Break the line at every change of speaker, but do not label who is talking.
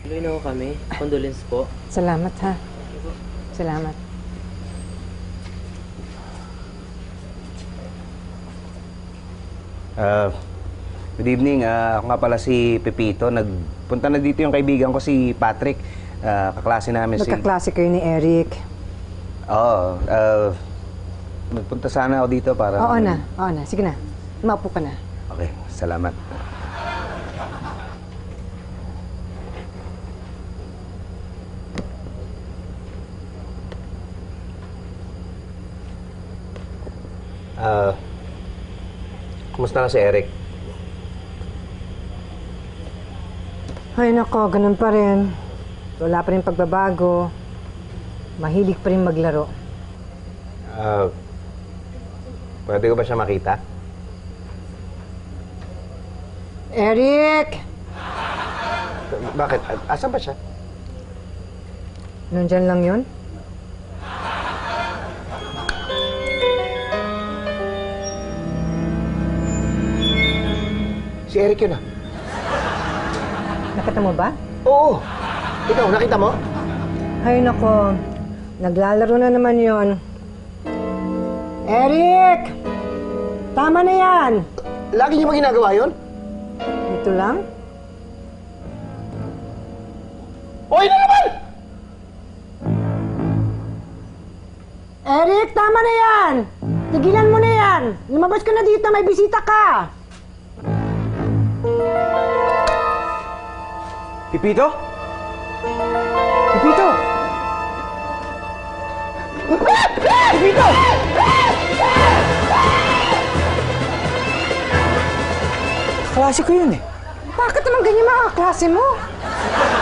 Tuloy na ho kami. Condolence po.
Salamat, ha? Salamat.
Good evening. Ako nga pala si Pepito. Nagpunta na dito yung kaibigan ko si Patrick. Kaklase namin
Magkaklase kayo ni Eric.
Oo. Nagpunta sana ako dito para...
Oo na. Sige na. Maupo ka na.
Okay, salamat. Kumusta na si Eric?
Ay, nako. Ganun pa rin. Wala pa rin pagbabago. Mahilig pa rin maglaro.
Pwede ko ba siya makita?
Eric!
Bakit? Asan ba siya?
Nandyan lang yun?
Si Eric yun ah.
Nakita mo ba?
Oo! Ikaw, nakita mo?
Ay, nako. Naglalaro na naman yon. Eric! Tama na yan!
Lagi niyo ba ginagawa yun?
Ito lang?
Oy na naman!
Eric, tama na yan! Tigilan mo na yan! Lumabas ka na dito, may bisita ka!
Pipito? Pipito! Pipito!
Klase ko yun eh.
Bakit naman ganyan mga klase mo?